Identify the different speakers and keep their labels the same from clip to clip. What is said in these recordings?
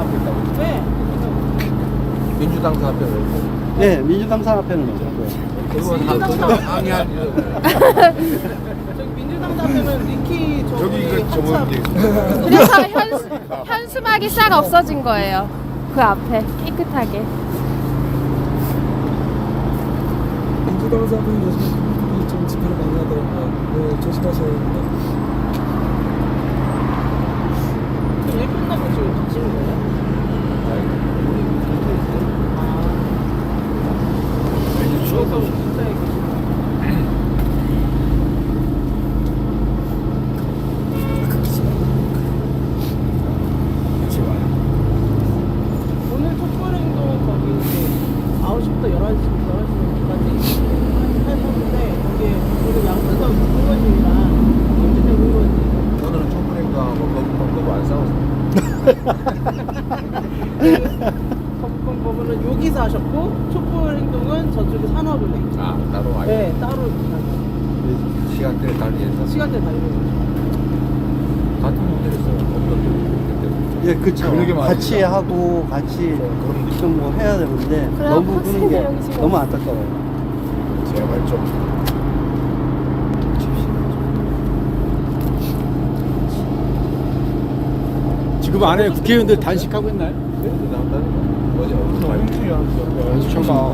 Speaker 1: 앞에 있다고.
Speaker 2: 네.
Speaker 1: 민주당 사업에 있고.
Speaker 3: 네, 민주당 산업회는 없고요.
Speaker 1: 그건 다 항의한
Speaker 2: 저기 민주당 앞에는 리키 저기
Speaker 4: 저번
Speaker 5: 그래서 현수막이 싹 없어진 거예요. 그 앞에 깨끗하게.
Speaker 6: 민주당 사람들이 요즘 좀 집회를 많이 하더라고요. 네, 조심하셔야 됩니다.
Speaker 2: 일 끝나고 지금 가시는 거예요? 주어서 진짜에 오늘 촛불행동 거기 이제 9시부터 11시까지 하셨는데 거기에 오늘 양수석 의원님이랑 김진태 의원님
Speaker 1: 오늘은 촛불행동하고 거부 안 싸웠어요.
Speaker 2: 법은 여기서 하셨고 촛불행동은 저쪽에 산업은행
Speaker 1: 아 따로 아니.
Speaker 2: 네 따로
Speaker 1: 시간대를 달리해서
Speaker 2: 시간대 달리는 거죠.
Speaker 1: 같은 호텔에서 없던
Speaker 3: 예, 그쵸.
Speaker 4: 그러게 말이죠.
Speaker 3: 같이 하고, 같이 좀 뭐 해야 되는데,
Speaker 5: 그럼
Speaker 3: 너무 그런 게
Speaker 5: 학생들 여기 지금
Speaker 3: 너무 안타까워요.
Speaker 4: 제발 좀.
Speaker 7: 지금 안에 국회의원들 단식하고 있나요?
Speaker 4: 잠깐.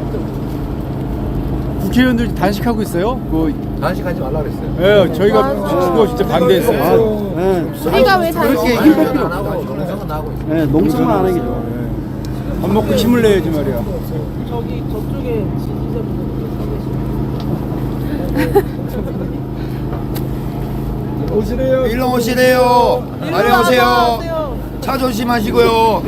Speaker 7: 국회의원들 단식하고 있어요?
Speaker 1: 단식하지 말라 그랬어요.
Speaker 7: 예, 저희가 그거 진짜 반대했어요.
Speaker 3: 네.
Speaker 5: 우리가 왜
Speaker 3: 그렇게
Speaker 5: 단식?
Speaker 3: 힘들 필요
Speaker 1: 안
Speaker 3: 없다.
Speaker 1: 하고 농성은 하고 있어요.
Speaker 3: 네, 농성만 안 하기 좋아.
Speaker 7: 밥 먹고 힘을 내야지 말이야.
Speaker 2: 저기 저쪽에 지지자분들 서 계시고
Speaker 6: 오시래요.
Speaker 4: 일로 오시래요. 안녕하세요. 차 조심하시고요.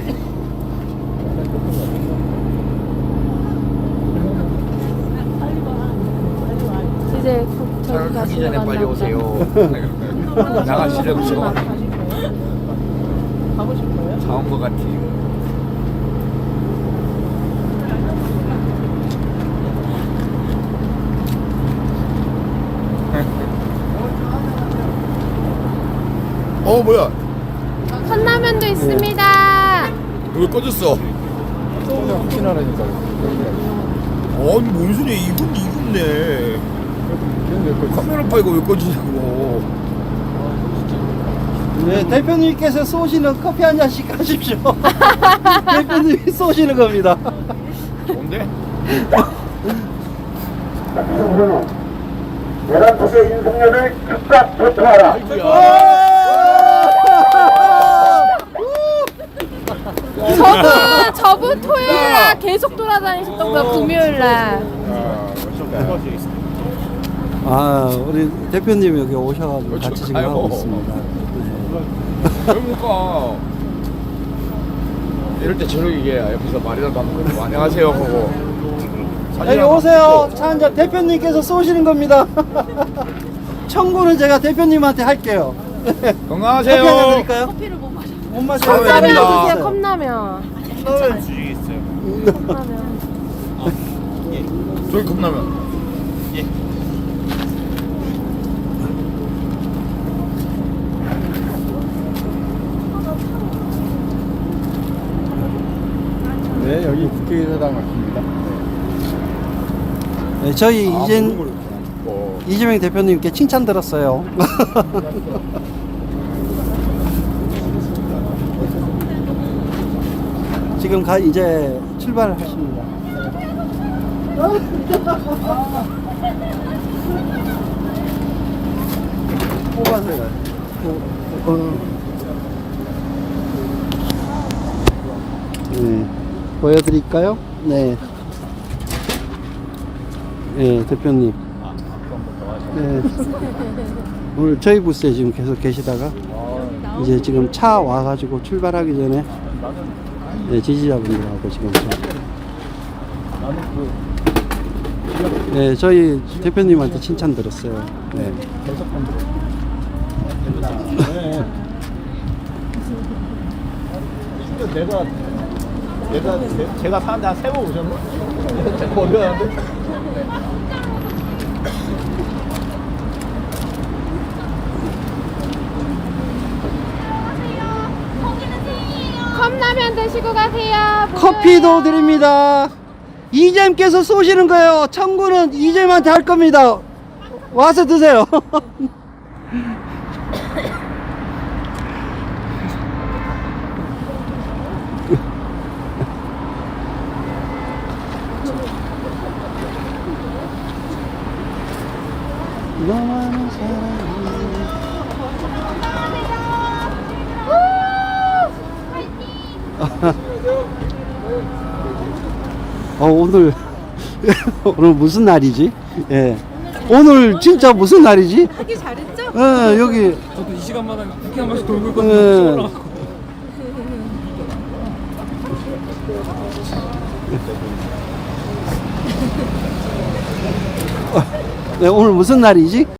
Speaker 5: 이제 저기
Speaker 4: 가기
Speaker 5: 가시러
Speaker 4: 전에 빨리
Speaker 5: 갔나
Speaker 4: 오세요.
Speaker 5: 보다.
Speaker 4: 나가시려고 지금
Speaker 2: 가실 거예요? 가보실 거예요?
Speaker 4: 다온 것 같아요. 뭐야?
Speaker 5: 컵라면도 있습니다.
Speaker 4: 왜 꺼졌어?
Speaker 1: 혹시나 하니까.
Speaker 4: 아니 뭔 소리야? 이건데. 카메라 파이가 왜 꺼지냐고.
Speaker 3: 네, 대표님께서 쏘시는 커피 한 잔씩 하십시오. 대표님이 쏘시는 겁니다.
Speaker 4: 뭔데?
Speaker 8: 내란국의 윤석열을 즉각 조처하라.
Speaker 5: 저분 토요일날 계속 돌아다니셨던 거야, 금요일날.
Speaker 3: 아, 우리 대표님 여기 오셔가지고 같이 지금 하고
Speaker 4: 아이고.
Speaker 3: 있습니다.
Speaker 4: 그러니까 이럴 때 저녁에 옆에서 말이라도 하면 그러고 안녕하세요 하고
Speaker 3: 여기 오세요. 차 한잔 대표님께서 쏘시는 겁니다. 청구는 제가 대표님한테 할게요. 커피 한잔
Speaker 4: 건강하세요.
Speaker 3: 드릴까요? 커피를 못 마셔. 못 마셔요.
Speaker 4: 컵라면
Speaker 5: 컵라면
Speaker 4: 드세요,
Speaker 5: 드세요, 컵라면. 컵라면.
Speaker 4: 저기 컵라면.
Speaker 7: 네, 여기 국회의사당 같습니다.
Speaker 3: 네, 저희
Speaker 4: 뭐
Speaker 3: 이재명 대표님께 칭찬 들었어요. 지금 이제 출발하십니다. 뽑아서요. 네, 보여드릴까요? 네. 네, 대표님. 네. 오늘 저희 부스에 지금 계속 계시다가 이제 지금 차 와가지고 출발하기 전에 네, 지지자분들하고 지금 네, 저희 대표님한테 칭찬 들었어요. 네.
Speaker 7: 제가 사는데 한 3번 오셨나? 모르겠는데.
Speaker 5: 컵라면 드시고 가세요.
Speaker 3: 커피도 드립니다. 이잼께서 쏘시는 거예요. 청구는 이잼한테 할 겁니다. 와서 드세요. 너만은 사랑이. 오늘 오늘 무슨 날이지? 예. 오늘 진짜 무슨 날이지?
Speaker 9: 하기 잘했죠?
Speaker 3: 예, 여기
Speaker 6: 저도 이 시간마다 국회 한 번씩 돌고 있거든요.
Speaker 3: 예. 네, 오늘 무슨 날이지?